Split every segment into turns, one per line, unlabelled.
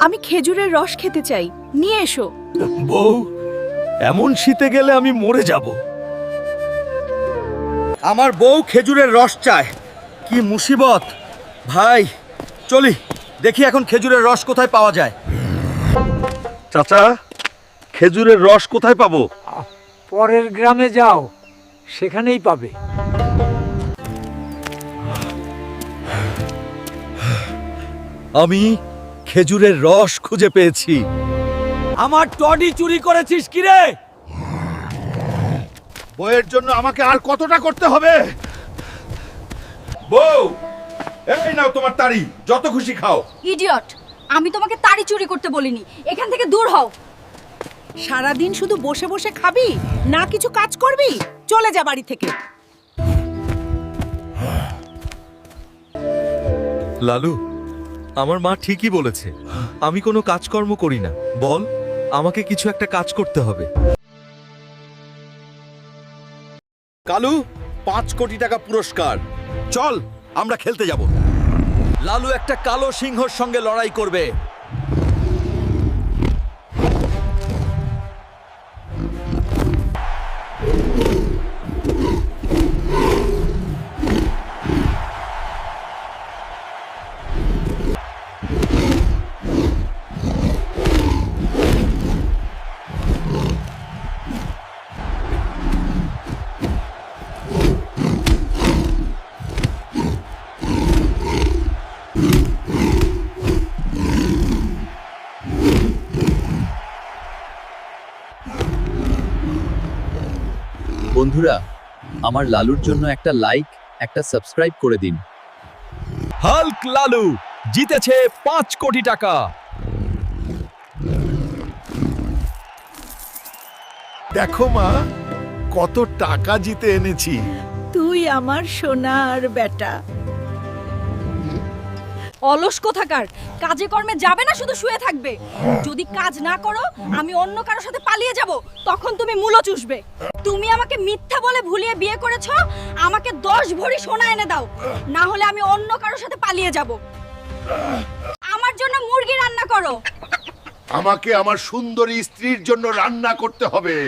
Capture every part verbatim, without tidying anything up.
আমি খেজুরের রস খেতে চাই, নিয়ে এসো।
বউ, এমন শীতে গেলে আমি মরে যাব। আমার বউ খেজুরের রস চায়, কি মুসিবত। ভাই চলি, দেখি এখন খেজুরের রস কোথায় পাওয়া যায়। চাচা, খেজুরের রস কোথায় পাবো?
পরের গ্রামে যাও, সেখানেই পাবে।
আমি খেজুরের রস খুঁজে পেয়েছি। আমার টডি চুরি করেছিস কি রে? বউয়ের জন্য আমাকে আর কতটা করতে হবে? বউ, এই নাও তোমার তাড়ি, যত খুশি খাও।
ইডিয়ট, আমি তোমাকে তাড়ি চুরি করতে বলিনি, এখান থেকে দূর হও।
সারাদিন শুধু বসে বসে খাবি, না কিছু কাজ করবি? চলে যা বাড়ি থেকে।
লালু, আমার মা ঠিকই বলেছে, আমি কোনো কাজকর্ম করি না। বল, আমাকে কিছু একটা কাজ করতে হবে। কালু, পাঁচ কোটি টাকা পুরস্কার। চল, আমরা খেলতে যাব। লালু একটা কালো সিংহর সঙ্গে লড়াই করবে।
বন্ধুরা, আমার লালুর জন্য একটা লাইক, একটা সাবস্ক্রাইব করে দিন।
হাল্ক লালু জিতেছে পাঁচ কোটি টাকা। দেখো মা, কত টাকা জিতে এনেছি।
তুই আমার সোনার বেটা।
অলস কোথাকার, কাজে কর্মে যাবে না, শুধু শুয়ে থাকবে। যদি কাজ না করো, আমি অন্য কারোর সাথে পালিয়ে যাব, তখন তুমি মূলো চুষবে। তুমি আমাকে মিথ্যা বলে ভুলিয়ে বিয়ে করেছো, আমাকে দশ ভরি সোনা এনে দাও, না হলে আমি অন্য কারোর সাথে পালিয়ে যাব। আমার জন্য মুরগি রান্না করো।
আমাকে আমার সুন্দরী স্ত্রীর জন্য রান্না করতে হবে।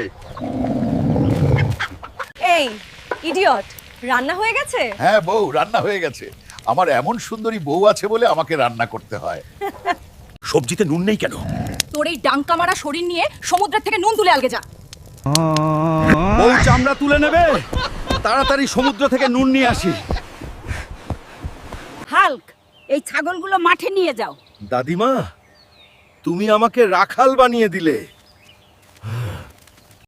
এই ইডিয়ট, রান্না হয়ে গেছে?
হ্যাঁ বউ, রান্না হয়ে গেছে। আমার এমন সুন্দরী বউ আছে বলে আমাকে রান্না করতে হয়।
সবজিতে নুন নেই কেন?
তোর এই ডাঙ্কা মারা শরীর নিয়ে সমুদ্রের থেকে নুন তুলে আলগে যা।
বউ চামড়া তুলে নেবে, তাড়াতাড়ি সমুদ্র থেকে নুন নিয়ে আসি।
হাল্ক, এই ছাগলগুলো মাঠে নিয়ে যাও।
দাদিমা, তুমি আমাকে রাখাল বানিয়ে দিলে।